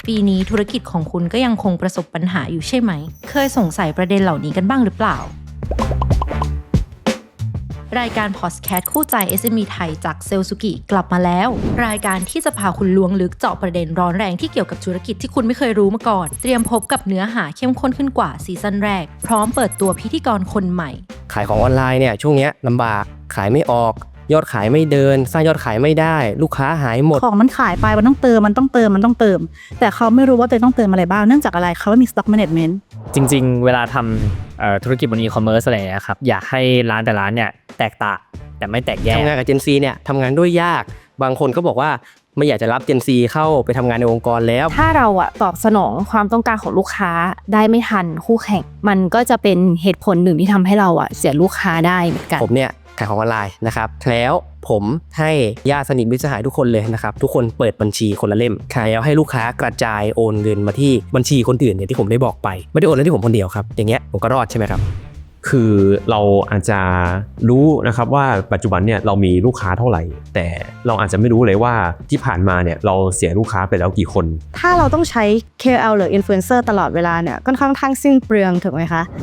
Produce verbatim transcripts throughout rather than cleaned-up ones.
ปีนี้ธุรกิจของคุณก็ยังคงประสบปัญหาอยู่ใช่ไหมเคยสงสัยประเด็นเหล่านี้กันบ้างหรือเปล่ารายการพอดแคสต์คู่ใจ เอส เอ็ม อี ไทยจากเซลสุกิกลับมาแล้วรายการที่จะพาคุณล้วงลึกเจาะประเด็นร้อนแรงที่เกี่ยวกับธุรกิจที่คุณไม่เคยรู้มาก่อนเตรียมพบกับเนื้อหาเข้มข้นขึ้นกว่าซีซั่นแรกพร้อมเปิดตัวพิธีกรคนใหม่ขายของออนไลน์เนี่ยช่วงนี้ลำบากขายไม่ออกยอดขายไม่เดินสร้างยอดขายไม่ได้ลูกค้าหายหมดของมันขายไปมันต้องเติมมันต้องเติมมันต้องเติมแต่เขาไม่รู้ว่าตัวเองต้องเติมอะไรบ้างเนื่องจากอะไรเขาไม่มี stock management จริงๆเวลาทำธุรกิจบนอีคอมเมิร์ซอะไรนะครับอยากให้ร้านแต่ร้านเนี่ยแตกต่างแต่ไม่แตกแยกทำงานกับ Gen Z เนี่ยทำงานด้วยยากบางคนก็บอกว่าไม่อยากจะรับ Gen Z เข้าไปทำงานในองค์กรแล้วถ้าเราอะตอบสนองความต้องการของลูกค้าได้ไม่ทันคู่แข่งมันก็จะเป็นเหตุผลหนึ่งที่ทำให้เราอะเสียลูกค้าได้เหมือนกันผมเนี่ยขายของออนไลน์นะครับแล้วผมให้ญาติสนิทมิตรสหายทุกคนเลยนะครับทุกคนเปิดบัญชีคนละเล่มขายแล้วให้ลูกค้ากระจายโอนเงินมาที่บัญชีคนอื่นเนี่ยที่ผมได้บอกไปไม่ได้โอนเลยที่ผมคนเดียวครับอย่างเงี้ยผมก็รอดใช่ไหมครับคือเราอาจจะรู้นะครับว่าปัจจุบันเนี่ยเรามีลูกค้าเท่าไหร่แต่เราอาจจะไม่รู้เลยว่าที่ผ่านมาเนี่ยเราเสียลูกค้าไปแล้วกี่คนถ้าเราต้องใช้ เค โอ แอล หรือ Influencer ตลอดเวลาเนี่ยก็ค่อนข้างสิ้นเปลืองถูกไหมคะ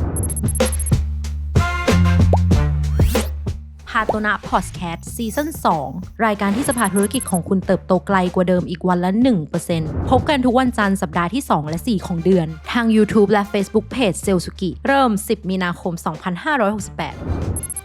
พาโตนะพอดแคสต์ซีซั่นสองรายการที่จะพาธุรกิจของคุณเติบโตไกลกว่าเดิมอีกวันละ หนึ่งเปอร์เซ็นต์ พบกันทุกวันจันทร์สัปดาห์ที่สองและสี่ของเดือนทาง YouTube และ Facebook Page เซลสุกิเริ่มสิบมีนาคมสองพันห้าร้อยหกสิบแปด